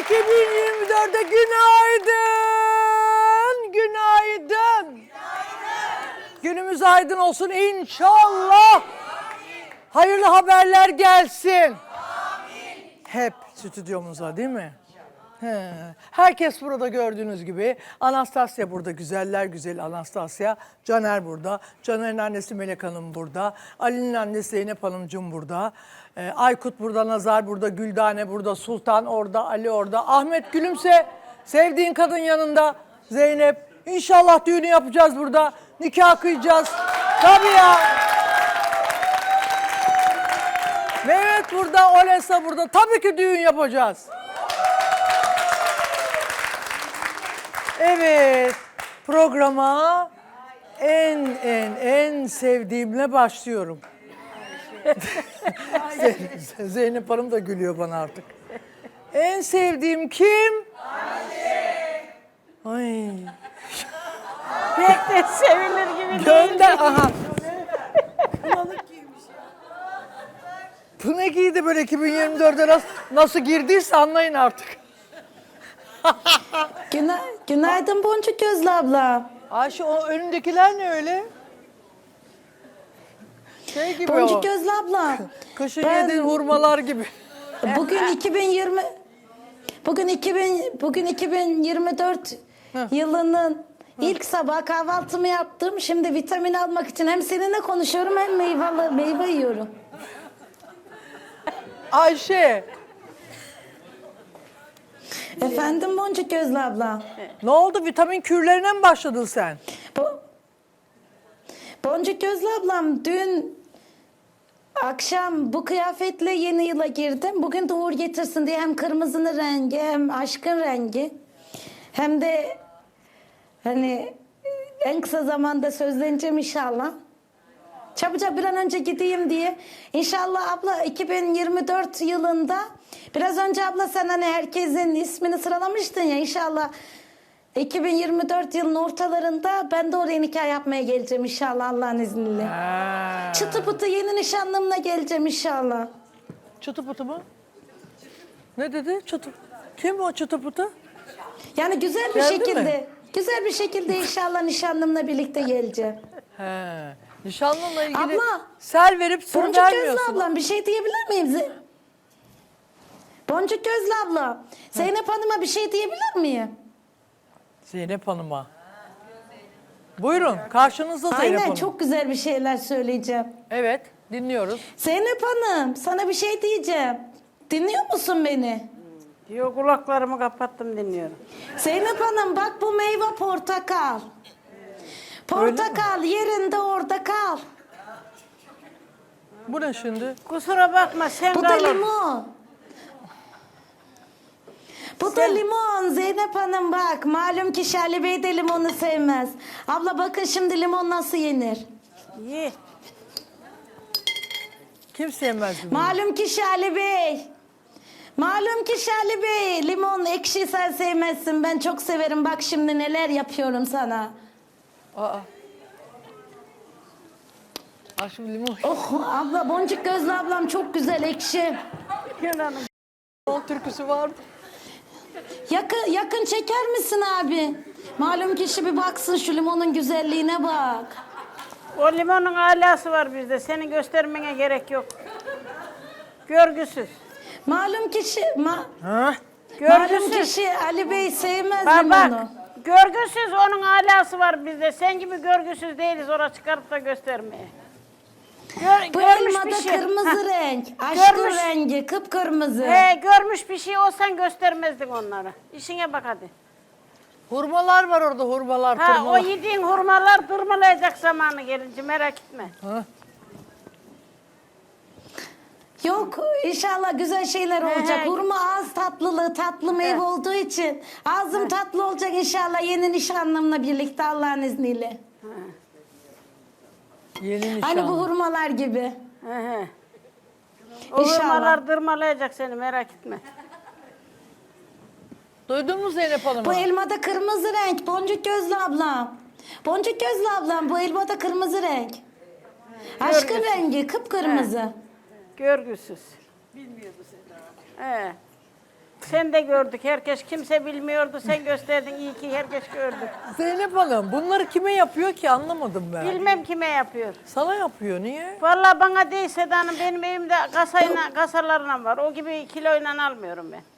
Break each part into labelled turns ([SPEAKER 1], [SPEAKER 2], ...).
[SPEAKER 1] 2024'e günaydın. Günaydın. Günümüz aydın olsun inşallah. Hayırlı haberler gelsin. Hep stüdyomuza değil mi? He. Herkes burada gördüğünüz gibi. Anastasya burada, güzeller güzeli Anastasya. Caner burada. Caner'in annesi Melek Hanım burada. Ali'nin annesi Zeynep Hanımcığım burada. Aykut burada, Nazar burada, Güldane burada, Sultan orada, Ali orada. Ahmet gülümse, sevdiğin kadın yanında. Zeynep, İnşallah düğünü yapacağız burada. Nikah kıyacağız. Tabii ya. Mehmet burada, Olesa burada. Tabii ki düğün yapacağız. Evet, programa en sevdiğimle başlıyorum. Zeynep Hanım da gülüyor bana artık. En sevdiğim kim? Ay.
[SPEAKER 2] Pek de sevilir gibi
[SPEAKER 1] Gönder, aha. Bu ne giydi böyle 2024'e nasıl girdiyse anlayın artık.
[SPEAKER 3] Günaydın Boncuk Gözlü abla.
[SPEAKER 1] Ayşe o önündekiler ne öyle? Şey gibi
[SPEAKER 3] Boncuk
[SPEAKER 1] o.
[SPEAKER 3] Gözlü abla.
[SPEAKER 1] Kışın yediğin hurmalar gibi.
[SPEAKER 3] Bugün 2024 yılının ilk sabah kahvaltımı yaptım. Şimdi vitamin almak için hem seninle konuşuyorum hem meyve yiyorum.
[SPEAKER 1] Ayşe,
[SPEAKER 3] Efendim Boncuk Gözlü abla.
[SPEAKER 1] ne oldu? Vitamin kürlerine mi başladın sen?
[SPEAKER 3] Boncuk Gözlü ablam dün akşam bu kıyafetle yeni yıla girdim. Bugün de uğur getirsin diye hem kırmızının rengi hem aşkın rengi hem de hani en kısa zamanda sözleneceğim inşallah. Çabucak bir an önce gideyim diye. İnşallah abla 2024 yılında biraz önce abla sen hani herkesin ismini sıralamıştın ya inşallah 2024 yılının ortalarında ben de oraya nikah yapmaya geleceğim inşallah Allah'ın izniyle. Çıtı pıtı yeni nişanlımla geleceğim inşallah.
[SPEAKER 1] Çıtı pıtı mı? Ne dedi? Çıtı. Kim o çıtı pıtı?
[SPEAKER 3] Yani güzel bir
[SPEAKER 1] Geldi
[SPEAKER 3] şekilde,
[SPEAKER 1] mi?
[SPEAKER 3] güzel bir şekilde inşallah nişanlımla birlikte geleceğim.
[SPEAKER 1] He. Nişanlınla ilgili
[SPEAKER 3] Abla,
[SPEAKER 1] sel verip sır
[SPEAKER 3] Boncuk Gözlü
[SPEAKER 1] vermiyorsun.
[SPEAKER 3] ablam bir şey diyebilir miyim? Boncuk Gözlü abla, Zeynep Hanım'a bir şey diyebilir miyim?
[SPEAKER 1] Zeynep Hanım'a. Buyurun, karşınızda Zeynep
[SPEAKER 3] Aynen
[SPEAKER 1] Hanım.
[SPEAKER 3] çok güzel bir şeyler söyleyeceğim.
[SPEAKER 1] Evet, dinliyoruz.
[SPEAKER 3] Zeynep Hanım sana bir şey diyeceğim. Dinliyor musun beni?
[SPEAKER 2] Diyor kulaklarımı kapattım dinliyorum.
[SPEAKER 3] Zeynep Hanım bak bu meyve portakal. Portakal yerinde orada kal.
[SPEAKER 1] Bu ne şimdi?
[SPEAKER 2] Kusura bakma sen
[SPEAKER 3] Bu da
[SPEAKER 2] kalın.
[SPEAKER 3] limon. Bu da limon Zeynep Hanım bak. Malum ki Şerli Bey de limonu sevmez. Abla bakın şimdi limon nasıl yenir.
[SPEAKER 2] Ye.
[SPEAKER 1] Kim sevmez bunu?
[SPEAKER 3] Malum ki Şerli Bey. Malum ki Şerli Bey. Limon ekşi sen sevmezsin. Ben çok severim. Bak şimdi neler yapıyorum sana.
[SPEAKER 1] Aa. Şimdi limon.
[SPEAKER 3] Oh abla Boncuk Gözlü ablam çok güzel ekşi.
[SPEAKER 1] Limon türküsü vardı.
[SPEAKER 3] Yakın çeker misin abi? Malum kişi bir baksın şu limonun güzelliğine bak.
[SPEAKER 2] O limonun alası var bizde. Senin göstermene gerek yok. Görgüsüz.
[SPEAKER 3] Malum kişi
[SPEAKER 1] Ha?
[SPEAKER 3] malum
[SPEAKER 2] Görgüsüz.
[SPEAKER 3] kişi Ali Bey sevmez
[SPEAKER 2] Bak
[SPEAKER 3] limonu.
[SPEAKER 2] bak. Görgüsüz onun alası var bizde. Sen gibi görgüsüz değiliz oraya çıkarıp da göstermeye.
[SPEAKER 3] Bu
[SPEAKER 2] Görmüş
[SPEAKER 3] elmada
[SPEAKER 2] bir şey.
[SPEAKER 3] kırmızı
[SPEAKER 2] Hah.
[SPEAKER 3] renk. Aşkın
[SPEAKER 2] Görmüş.
[SPEAKER 3] rengi kıpkırmızı.
[SPEAKER 2] He görmüş bir şey olsan göstermezdin onları. İşine bak hadi.
[SPEAKER 1] Hurmalar var orada, hurmalar,
[SPEAKER 2] Ha o
[SPEAKER 1] tırmalar.
[SPEAKER 2] yediğin hurmalar tırmalayacak zamanı gelince merak etme.
[SPEAKER 1] Ha?
[SPEAKER 3] Yok inşallah güzel şeyler olacak.
[SPEAKER 2] he.
[SPEAKER 3] Hurma ağız tatlılığı tatlı meyve olduğu için ağzım tatlı olacak inşallah yeni nişanlımla birlikte Allah'ın izniyle.
[SPEAKER 1] Yeni nişan.
[SPEAKER 3] Hani bu hurmalar gibi.
[SPEAKER 2] He. O
[SPEAKER 3] İnşallah.
[SPEAKER 2] hurmalar tırmalayacak seni merak etme.
[SPEAKER 1] Duydun mu Zeynep Hanım'ı?
[SPEAKER 3] Bu elmada kırmızı renk. Boncuk Gözlü ablam. Boncuk Gözlü ablam bu elmada kırmızı renk. Aşkın rengi kıpkırmızı.
[SPEAKER 2] Görgüsüz. Bilmiyordu Seda. He. Sen de gördük. Herkes kimse bilmiyordu. Sen gösterdin. İyi ki herkes gördü.
[SPEAKER 1] Zeynep Hanım bunları kime yapıyor ki anlamadım ben.
[SPEAKER 2] Bilmem kime yapıyor.
[SPEAKER 1] Sana yapıyor niye?
[SPEAKER 2] Vallahi bana değil Seda Hanım. Benim evimde kasalarla var. O gibi kiloyla almıyorum ben.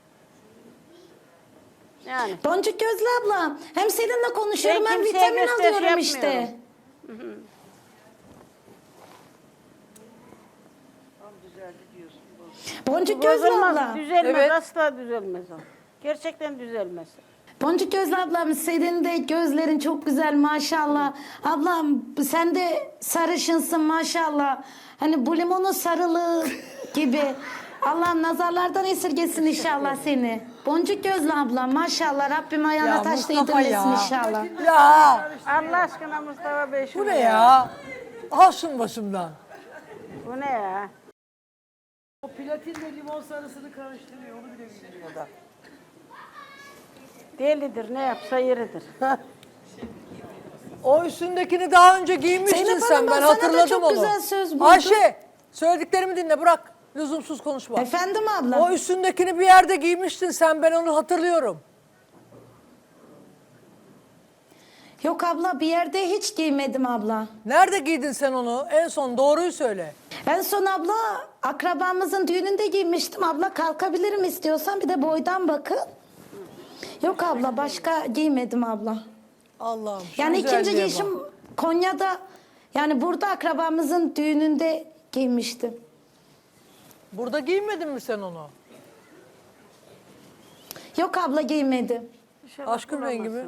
[SPEAKER 2] Yani.
[SPEAKER 3] Boncuk Gözlü abla hem seninle konuşuyorum
[SPEAKER 2] Ben
[SPEAKER 3] hem
[SPEAKER 2] kimseye
[SPEAKER 3] vitamin
[SPEAKER 2] gösteriş
[SPEAKER 3] alıyorum işte.
[SPEAKER 2] yapmıyorum.
[SPEAKER 3] Boncuk Gözlü
[SPEAKER 2] Bozulmaz,
[SPEAKER 3] abla.
[SPEAKER 2] düzelmez.
[SPEAKER 1] Evet.
[SPEAKER 2] Asla düzelmez o. Gerçekten düzelmez.
[SPEAKER 3] Boncuk Gözlü ablam senin de gözlerin çok güzel maşallah. Ablam sen de sarışınsın maşallah. Hani bu limonun sarılığı gibi. Allah nazarlardan esirgesin inşallah seni. Boncuk Gözlü ablam maşallah Rabbim ayağına
[SPEAKER 1] Ya
[SPEAKER 3] taş
[SPEAKER 1] Mustafa
[SPEAKER 3] değdirmesin
[SPEAKER 1] ya.
[SPEAKER 3] inşallah.
[SPEAKER 1] Ya
[SPEAKER 2] Allah aşkına Mustafa Bey
[SPEAKER 1] bu ne ya? Al şunu başımdan.
[SPEAKER 2] Bu ne ya?
[SPEAKER 1] O platinle limon sarısını karıştırıyor onu bile bilmiyor da.
[SPEAKER 2] Delidir, ne yapsa yeridir.
[SPEAKER 1] O üstündekini daha önce giymiştin
[SPEAKER 3] Zeynep
[SPEAKER 1] sen
[SPEAKER 3] Hanım,
[SPEAKER 1] ben
[SPEAKER 3] sana da
[SPEAKER 1] hatırladım
[SPEAKER 3] çok
[SPEAKER 1] onu.
[SPEAKER 3] güzel söz buldum.
[SPEAKER 1] Ayşe söylediklerimi dinle bırak. Lüzumsuz konuşma.
[SPEAKER 3] Efendim abla.
[SPEAKER 1] O üstündekini bir yerde giymiştin sen ben onu hatırlıyorum.
[SPEAKER 3] Yok abla bir yerde hiç giymedim abla.
[SPEAKER 1] Nerede giydin sen onu? En son doğruyu söyle.
[SPEAKER 3] En son abla akrabamızın düğününde giymiştim. Abla kalkabilirim istiyorsan bir de boydan bakın. Yok abla başka giymedim abla.
[SPEAKER 1] Allah'ım. şu
[SPEAKER 3] Yani ikinci
[SPEAKER 1] güzelliğe
[SPEAKER 3] giyişim
[SPEAKER 1] bak.
[SPEAKER 3] Konya'da yani burada akrabamızın düğününde giymiştim.
[SPEAKER 1] Burada giymedin mi sen onu?
[SPEAKER 3] Yok abla giymedim.
[SPEAKER 1] Aşkın rengi mi?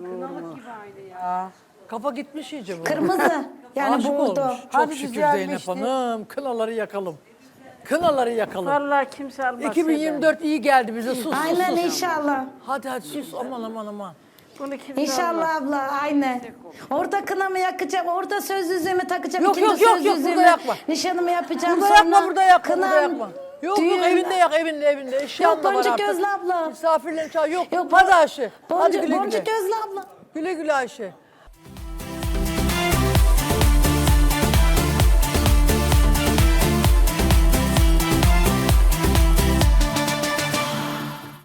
[SPEAKER 1] Kafa gitmiş iyice bu.
[SPEAKER 3] Kırmızı yani
[SPEAKER 1] Aşık
[SPEAKER 3] bordo.
[SPEAKER 1] olmuş. Çok şükür Zeynep Hanım. Kınaları yakalım. Kınaları yakalım.
[SPEAKER 2] Vallahi kimse almaz.
[SPEAKER 1] 2024 iyi geldi bize. Sus
[SPEAKER 3] Aynen
[SPEAKER 1] sus sus.
[SPEAKER 3] inşallah.
[SPEAKER 1] Hadi sus aman aman aman.
[SPEAKER 2] Bunu kimse almaz.
[SPEAKER 3] İnşallah abla aynen. Orada kınamı yakacağım, orada söz yüzüğümü takacağım.
[SPEAKER 1] Yok,
[SPEAKER 3] ikinci
[SPEAKER 1] yok, yok,
[SPEAKER 3] söz
[SPEAKER 1] yok,
[SPEAKER 3] yüzüğümü,
[SPEAKER 1] burada yakma.
[SPEAKER 3] nişanımı yapacağım.
[SPEAKER 1] Burada
[SPEAKER 3] sonra
[SPEAKER 1] yakma burada yakma burada
[SPEAKER 3] kınam,
[SPEAKER 1] yakma. Yok
[SPEAKER 3] düğün.
[SPEAKER 1] yok evinde yak evinde eşyan da var
[SPEAKER 3] Boncuk
[SPEAKER 1] artık.
[SPEAKER 3] Gözlü abla.
[SPEAKER 1] Misafirlerin çağır. Yok,
[SPEAKER 3] Yok,
[SPEAKER 1] hadi Ayşe. Hadi
[SPEAKER 3] Boncuk,
[SPEAKER 1] güle güle.
[SPEAKER 3] Boncuk Gözlü abla.
[SPEAKER 1] Güle güle Ayşe.